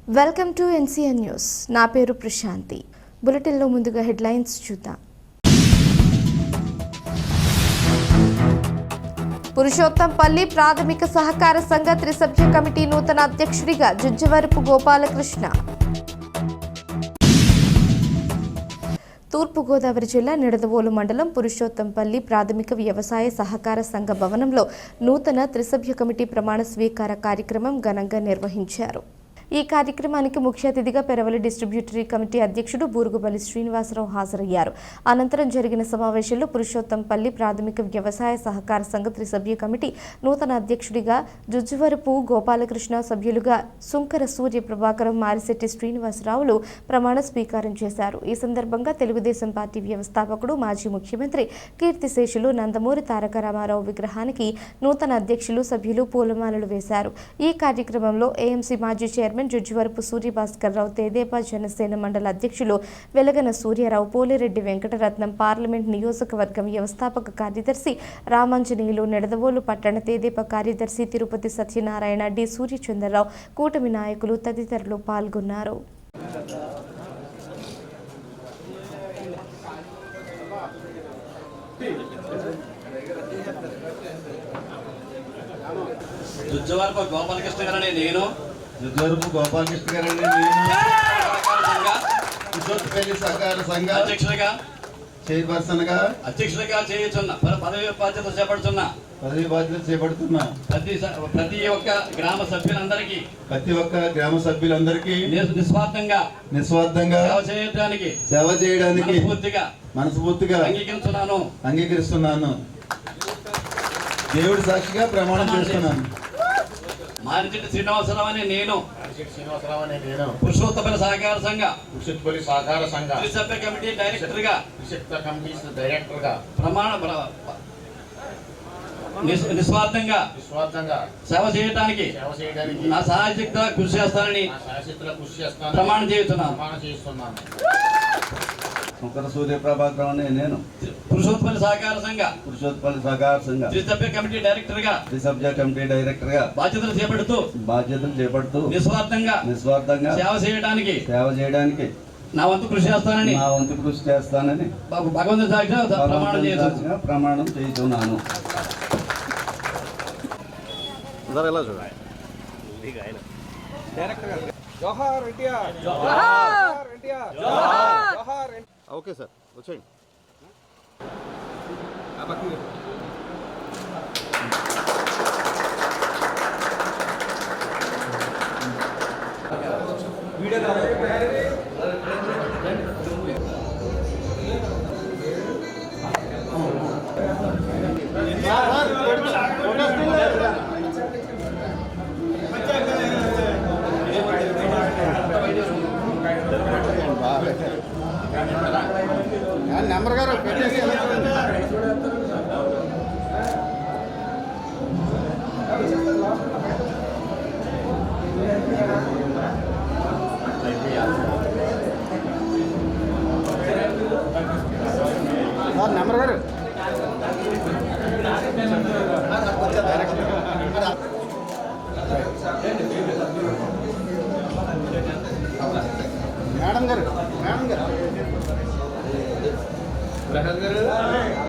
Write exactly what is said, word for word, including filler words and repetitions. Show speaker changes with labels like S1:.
S1: Welcome to NCN news. నా పేరు ప్రశాంతి. బులెటిన్లో ముందుగా హెడ్లైన్స్ చూద్దాం. పురుషోత్తంపల్లి ప్రాథమిక సహకార సంఘ త్రిసభ్య కమిటీ నూతన అధ్యక్షుడిగా జుజ్జవరపు గోపాలకృష్ణ. తూర్పుగోదావరి జిల్లా నిడదవోలు మండలం పురుషోత్తంపల్లి ప్రాథమిక వ్యవసాయ సహకార సంఘ భవనంలో నూతన త్రిసభ్య కమిటీ ప్రమాణ స్వీకార కార్యక్రమం ఘనంగా నిర్వహించారు. ఈ కార్యక్రమానికి ముఖ్య అతిథిగా పెరవలి డిస్ట్రిబ్యూటరీ కమిటీ అధ్యక్షుడు బూరుగుపల్లి శ్రీనివాసరావు హాజరయ్యారు. అనంతరం జరిగిన సమావేశంలో పురుషోత్తంపల్లి ప్రాథమిక వ్యవసాయ సహకార సంఘ త్రిసభ్య కమిటీ నూతన అధ్యక్షుడిగా జుజ్జువరపు గోపాలకృష్ణ, సభ్యులుగా సుంకర సూర్య ప్రభాకరం, మారిశెట్టి శ్రీనివాసరావులు ప్రమాణ స్వీకారం చేశారు. ఈ సందర్భంగా తెలుగుదేశం పార్టీ వ్యవస్థాపకుడు, మాజీ ముఖ్యమంత్రి కీర్తిశేషులు నందమూరి తారక రామారావు విగ్రహానికి నూతన అధ్యక్షులు, సభ్యులు పూలమాలలు వేశారు. ఈ కార్యక్రమంలో ఏఎంసీ మాజీ చైర్మన్ జుజ్జువరపు సూర్యభాస్కర్రావు, తెదేపా జనసేన మండల అధ్యక్షులు వెలగన సూర్యారావు, పోలిరెడ్డి వెంకటరత్నం, పార్లమెంట్ నియోజకవర్గం వ్యవస్థాపక కార్యదర్శి రామాంజనేయులు, నిడదవోలు పట్టణ తెదేపా కార్యదర్శి తిరుపతి సత్యనారాయణ, డి సూర్యచంద్రరావు, కూటమి నాయకులు తదితరులు పాల్గొన్నారు.
S2: జుజ్జవరపు గోపాలకృష్ణ గారని నేను
S3: జుజ్జవరపు గోపాలకృష్ణ గారని నేను పురుషోత్తంపల్లి సహకార సంఘ
S2: అధ్యక్షుడిగా
S3: చైర్పర్సన్ గా
S2: అధ్యక్షుడిగా చేయుచున్న పదవి బాధ్యత చేపడుతున్నా
S3: పదవి బాధ్యత చేపడుతున్నా
S2: ప్రతి ప్రతి ఒక్క గ్రామ సభ్యులందరికీ
S3: ప్రతి ఒక్క గ్రామ సభ్యులందరికీ
S2: నిస్వార్థంగా
S3: నిస్వార్థంగా
S2: సేవ చేయడానికి
S3: సేవ చేయడానికి
S2: పూర్తిగా
S3: మనస్ఫూర్తిగా
S2: అంగీకరిస్తున్నాను
S3: అంగీకరిస్తున్నాను దేవుడి సాక్షిగా ప్రమాణం చేస్తున్నాను.
S2: మారిచెట్టి శ్రీనివాసరావు అని నేను
S4: శ్రీనివాసరావు అనే నేను
S2: పురుషోత్తపల్లి సహకార సంఘ
S4: పురుషోత్తంపల్లి సహకార సంఘ
S2: త్రిసభ్య కమిటీ డైరెక్టర్ గా
S4: త్రిసభ్య కమిటీ డైరెక్టర్ గా
S2: ప్రమాణ నిస్వార్థంగా
S4: నిస్వార్థంగా
S2: సేవ చేయడానికి
S4: సేవ చేయడానికి
S2: నా సహాయశక్తిగా కృషి చేస్తానని
S4: నా శాశ్వతలో కృషి చేస్తాను
S2: ప్రమాణం చేస్తున్నాను.
S4: ప్రమాణం చేస్తున్నాను.
S3: సుంకర సూర్య ప్రభాకరం అనే నేను
S2: పురుషోత్పల్లి సహకార సంఘ
S3: పురుషోత్పల్లి సహకార సంఘ
S2: త్రిసభ్య కమిటీ డైరెక్టర్ గా
S3: త్రిసభ్య కమిటీ డైరెక్టర్ గా
S2: బాధ్యతలు చేపడుతూ
S3: బాధ్యతలు చేపడుతూ
S2: నిస్వార్థంగా
S3: నిస్వార్థంగా
S2: సేవ చేయడానికి
S3: సేవ చేయడానికి
S2: నా వంతు కృషి చేస్తానని
S3: నా వంతు కృషి చేస్తానని
S2: భగవంతుని సాక్షిగా ప్రమాణం చేస్తున్నాను.
S3: ప్రమాణం చేస్తున్నాను.
S5: ఓకే సార్ వచ్చేయండి. నెంబర్ గారు పెట్టేసి నెంబర్ గారు